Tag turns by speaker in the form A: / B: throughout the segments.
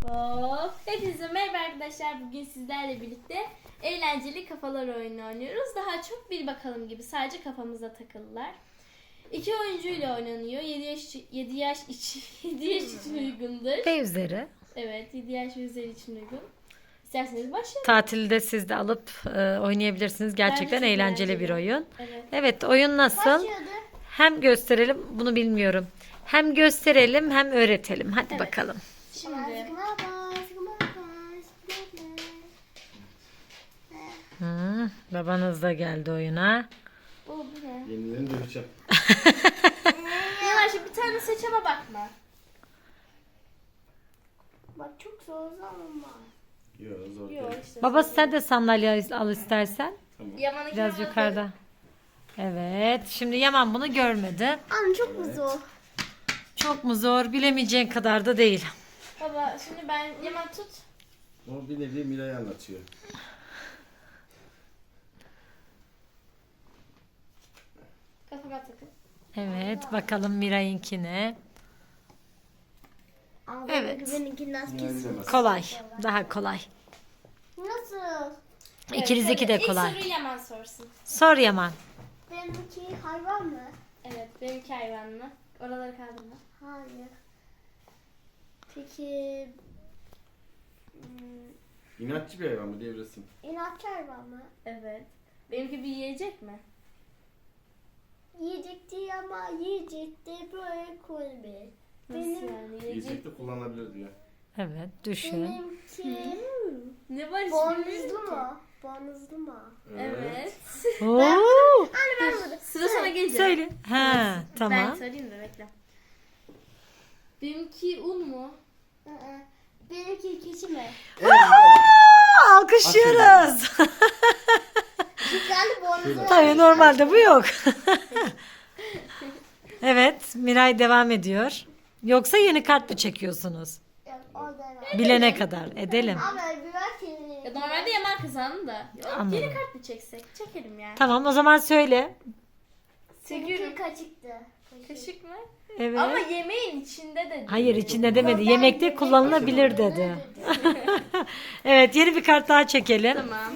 A: Hop. Hepinize merhaba arkadaşlar. Bugün sizlerle birlikte eğlenceli kafalar oyunu oynuyoruz. Daha çok bir bakalım gibi. Sadece kafamıza takılılar. 2 oyuncuyla oynanıyor. 7 yaş için uygundur.
B: Ve üzeri.
A: Evet, 7 yaş ve üzeri için uygun. İsterseniz başlayalım.
B: Tatilde siz de alıp oynayabilirsiniz. Gerçekten
A: çok
B: eğlenceli bir
A: eğlenceli.
B: oyun.
A: Evet.
B: Evet, oyun nasıl? Hem gösterelim, bunu bilmiyorum. Hem gösterelim hem öğretelim. Hadi
A: Evet.
B: bakalım.
A: Şimdi
B: Babanız da geldi oyuna.
A: bu ne?
C: Yenilerini döveceğim.
A: Yavaş bir tane seç ama bakma.
D: Bak çok zor ama.
C: Yok zor
A: Yok
C: değil.
A: işte.
B: Baba sen de sandalye al istersen.
C: Tamam.
A: Yaman'ınki
B: Biraz
A: Yaman'ın-
B: yukarıda. Evet. Şimdi Yaman bunu görmedi.
D: Anne çok mu zor?
B: Çok mu zor? Bilemeyeceğin kadar da değil.
A: Baba şimdi ben Yaman tut.
C: O bir nevi Miray'ı anlatıyor.
A: Kafama takın.
B: Evet. Bakalım Miray'ınkine.
D: Ama
B: Evet.
D: benimkinden
C: Miray'ı
D: kesin.
C: bilemez.
B: Kolay. Daha kolay.
D: Nasıl?
B: İkinizdeki de
A: İlk
B: kolay.
A: soruyu Yaman sorsun.
B: Sor Yaman.
D: Benimki hayvan mı?
A: Evet, benimki hayvanlı. Oraları kaldırma.
D: Hayır. Peki
C: İnatçı bir hayvan mı devresin?
D: inatçı hayvan mı?
A: Evet. Benimki bir yiyecek mi?
D: Yiyecek değil ama yiyecek de böyle koyabilir.
A: Nasıl
D: Benim,
A: yani? Yiyecek.
C: Yiyecek de kullanılabilir diyor.
B: Evet. Düşün.
D: benimki
A: Ne var
D: boynuzlu mu? Boynuzlu mu?
A: Evet.
B: Oo.
D: Anne ben burada.
A: Sıra sana gelecek.
B: Söyle. Ha,
A: Ben
B: tamam.
A: söyleyeyim de bekle. Benimki un mu?
D: Hı. Benimki keçi mi?
B: Alkışlıyoruz.
D: Güzel boynuzlu.
B: Tabii normalde bu yok. Evet, Miray devam ediyor. Yoksa yeni kart mı çekiyorsunuz?
D: Yok, o da var.
B: Bilene kadar edelim.
D: Ama biber kendini.
A: Ya normalde Yaman kazandı da. Yok,
B: Anladım.
A: yeni kart mı çeksek? Çekelim yani.
B: Tamam, o zaman söyle.
D: Seninki
A: Çekiyorum.
D: kaşıktı.
A: Kaşık mı?
B: Evet.
A: Ama yemeğin içinde de değil.
B: Hayır, içinde demedi. Yemekte kullanılabilir dedi. Evet, yeni bir kart daha çekelim.
A: Tamam.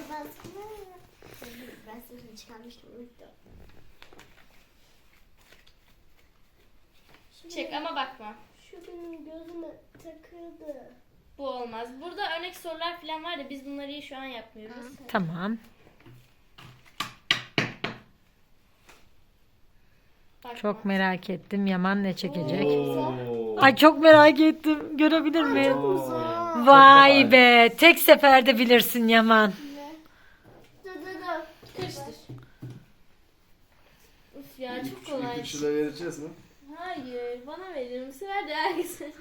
D: Ben sesini çıkarmıştım. Unuttum.
A: Çek ama bakma.
D: Şu benim gözüme takıldı.
A: Bu olmaz. Burada örnek sorular falan var da biz bunları şu an yapmıyoruz.
B: Tamam.
A: Bakma.
B: Çok merak ettim. Yaman ne çekecek?
C: Oo.
B: Ay çok merak ettim. Görebilir miyim?
D: Zor.
B: Vay be. Tek seferde bilirsin Yaman.
D: Dur.
A: Karıştır. Uf ya çok kolay.
C: İpuçları vereceğiz mi?
A: Hayır bana verir misin? Ver de herkese.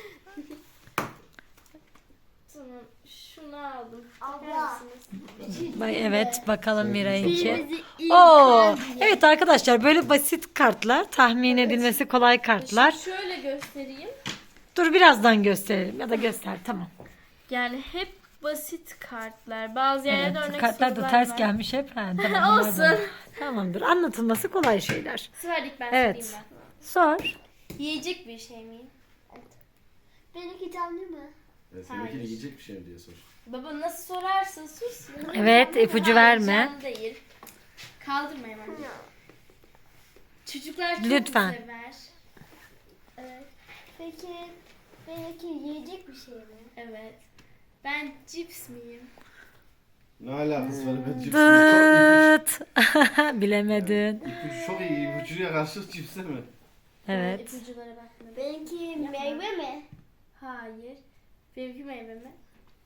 A: Tamam şunu aldım.
D: Abla.
A: Bakar mısınız?
B: Evet bakalım Miray'ınki.
D: Birimizi ilk
B: Oo, evet arkadaşlar böyle basit kartlar, tahmin edilmesi kolay kartlar.
A: Şöyle göstereyim.
B: Dur birazdan gösterelim ya da göster tamam.
A: Yani hep basit kartlar. Bazı yerlerde
B: Evet,
A: örnek
B: kartlar da
A: sorular
B: ters
A: var.
B: gelmiş hep. Ha, tamam,
A: Olsun.
B: bunlardan. Tamamdır. Anlatılması kolay şeyler.
A: Sıradaki ben
B: Evet.
A: sorayım ben.
B: Sor.
A: Yiyecek bir şey mi?
D: Benimki canlı mı?
C: Seninkini
A: Hayır.
C: yiyecek bir şey mi diye sor.
A: Baba nasıl sorarsın? Sus.
B: Evet, ipucu
A: Hayır,
B: verme.
A: canlı değil. Kaldırma hemen. Çocuklar çok
B: Lütfen.
A: sever.
D: Evet. Peki benimki yiyecek bir şey mi?
A: Evet. Ben cips miyim?
C: Ne alakası var? Ben cipsimi
B: Dıt. Bilemedin.
C: ipucu çok iyi. İpucuya karşı cipse mi?
B: Evet.
A: İpuculara bakmadım.
D: Benimki meyve mi?
A: Hayır. Benimki meyve mi?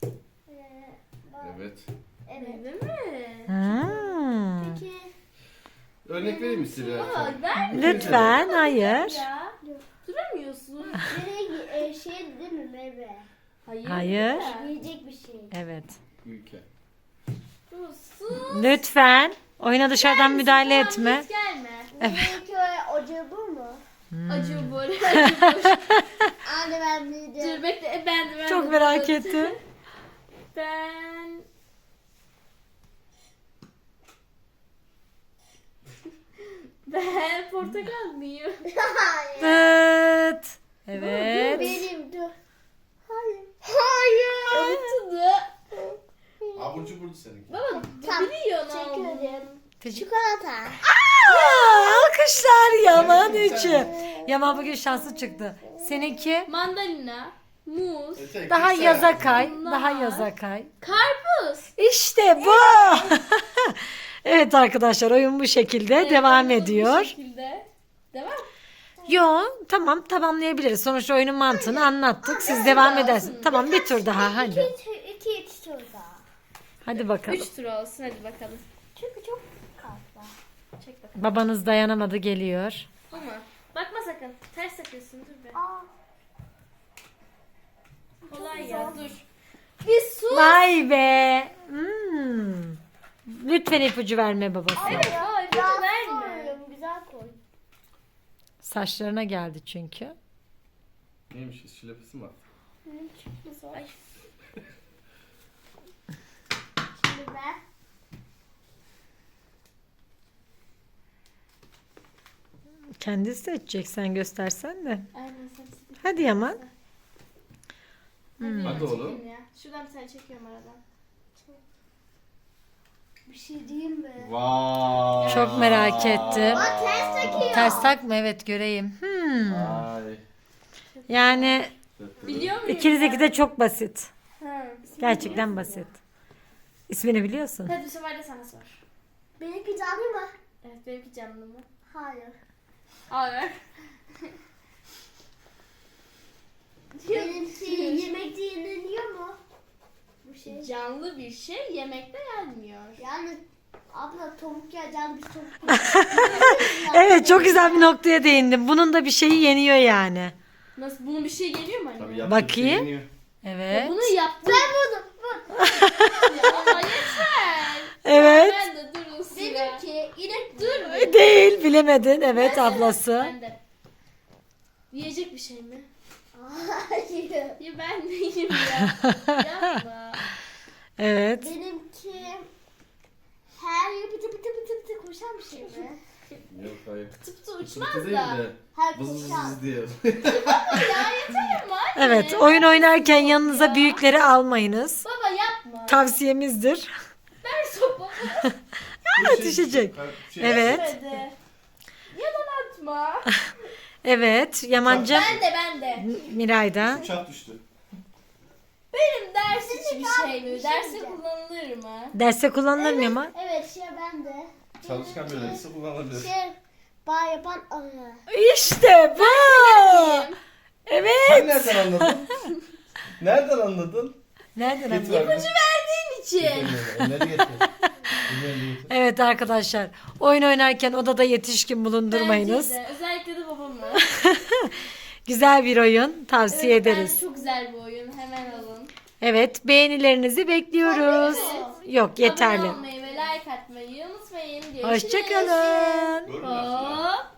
C: Evet.
D: Evet.
A: Meyve mi?
B: Hmm.
D: Peki
C: Örnek vereyim mi size?
A: Aa, ver
B: Lütfen, hayır.
A: ya. Duramıyorsun.
D: benimki şey değil mi meyve?
A: Hayır.
B: Hayır.
D: Yiyecek bir şey.
B: Evet.
C: Ülke.
A: Sus.
B: Lütfen. Oyuna dışarıdan müdahale
A: Tamam,
B: etme.
A: hiç gelme.
D: Benimki acı bu mu?
A: Acı bol. Acı bol.
D: Anne ben bildim.
A: Dur bekle ben
B: Çok merak ettim.
A: Ben Ben portakal mıyım?
D: Hayır.
B: Dıt. Evet.
D: Benim dur. Hayır. Hayır.
C: seninki?
A: Baba
D: Tamam,
A: biliyor ne
D: teşekkür
A: olduğunu.
D: ederim.
B: Teşekkür.
D: Çikolata.
B: Alkışlar Yaman için. Yaman bugün şanslı çıktı. Seninki
A: Mandalina, muz,
B: daha
C: Güzel.
B: yaza kay.
A: Bunlar.
B: Daha yaza kay.
A: karpuz.
B: İşte bu. Evet arkadaşlar oyun bu şekilde devam
A: Evet,
B: ediyor.
A: Bu şekilde. Devam.
B: Yo tamam tamamlayabiliriz. Sonuçta oyunun mantığını anlattık. Siz devam edersiniz. Tamam bir tur daha hadi.
D: İki tur daha.
B: Hadi bakalım.
A: 3 tur olsun hadi bakalım.
D: Çünkü çok fazla.
A: Çek bakalım.
B: Babanız dayanamadı geliyor.
A: Ama bakma sakın. Ters takıyorsun dur be.
D: Aa,
A: Kolay ya dur. Bir su.
B: Vay be. Lütfen ipucu verme babası.
A: Evet baba ipucu
D: biraz
A: verme.
D: koyuyorum, güzel koy.
B: Saçlarına geldi çünkü.
C: Neymiş? Şilepesi mi var?
A: Ay.
D: Şimdi ben.
B: Kendisi seçecek sen göstersen de.
A: Aynen sen.
B: Hadi Yaman.
C: Hadi oğlum.
A: Çekeyim ya. Şuradan bir tane çekiyorum aradan.
D: Bir şey diyeyim mi?
C: Vay.
B: Çok merak ettim.
D: Bak ters takıyor.
B: Ters takma evet göreyim.
C: Vay.
B: Yani
A: Biliyor muyum?
B: ikinizdeki de çok basit.
A: Ha.
B: Gerçekten basit. İsmini biliyorsun.
A: Hadi bu sefer de sana sor.
D: Benimki canlı mı?
A: Evet benimki canlı mı?
D: Hayır.
A: Hayır.
D: Benimki yemekte yeniliyor mu? Bu şey.
A: Canlı bir şey yemekte yenmiyor.
D: Yani abla tavuk ya canlı bir tavuk.
B: Evet çok güzel bir noktaya değindim. Bunun da bir şeyi yeniyor yani.
A: Nasıl bunun bir şey geliyor mu
C: Tabii
A: anne?
C: yaptığı bir şey
B: Bakayım.
C: yeniyor.
B: Evet.
A: Bunu yaptım.
D: Ben buldum. Bu.
A: Ya ama yeter.
B: Evet.
A: Ben de durun sıra.
D: Benimki inek
A: Dur.
B: Değil bilemedin. Evet ablası.
A: Ben de. Yiyecek bir şey mi?
D: Hayır.
A: Ya ben neyim ya? Yapma.
B: Evet.
D: Benimki her yıl pıtı pıtı pıtı pıtı koşan bir şey mi?
C: Yok hayır.
A: Tıptı
C: Sıkıntı
A: uçmaz
C: değil
A: da.
C: de.
D: Her
C: Vız vız
D: koşan.
C: vız diye.
A: Ya yeter ama anne.
B: Evet oyun oynarken yanınıza büyükleri almayınız.
A: Baba yapma.
B: Tavsiyemizdir.
A: Ver sopamı.
B: Düşecek.
C: Şey,
B: Evet.
A: Hadi. Yalan atma.
B: Evet Yamancığım.
A: Ben de.
B: Miray'da.
C: Uçak düştü.
A: Benim ders için bir şey mi?
D: bir şey
A: Derse
D: diyeceğim.
A: kullanılır mı?
B: Derste kullanılır mı Yaman?
D: Evet şey ben de.
C: Çalışkan bir öğrencisi kullanabilir.
D: Şey bağ yapan arı.
B: İşte bu. Evet.
C: Sen nereden anladın? Nereden anladın?
B: Nereden
C: Getir
B: anladın?
C: abi.
A: Verdiğin için.
C: Elleri getir. Elleri getir.
B: Evet arkadaşlar oyun oynarken odada yetişkin bulundurmayınız.
A: Bence de. Özellikle de babamı.
B: Güzel bir oyun tavsiye
A: Evet,
B: ederiz.
A: bence çok güzel bir oyun. Hemen alın.
B: Evet beğenilerinizi bekliyoruz.
A: Evet.
B: Yok yeterli.
A: Abone olmayı ve like atmayı unutmayın. Görüşürüz.
B: Hoşçakalın.
C: Görmüyorsun ya.
A: Hop.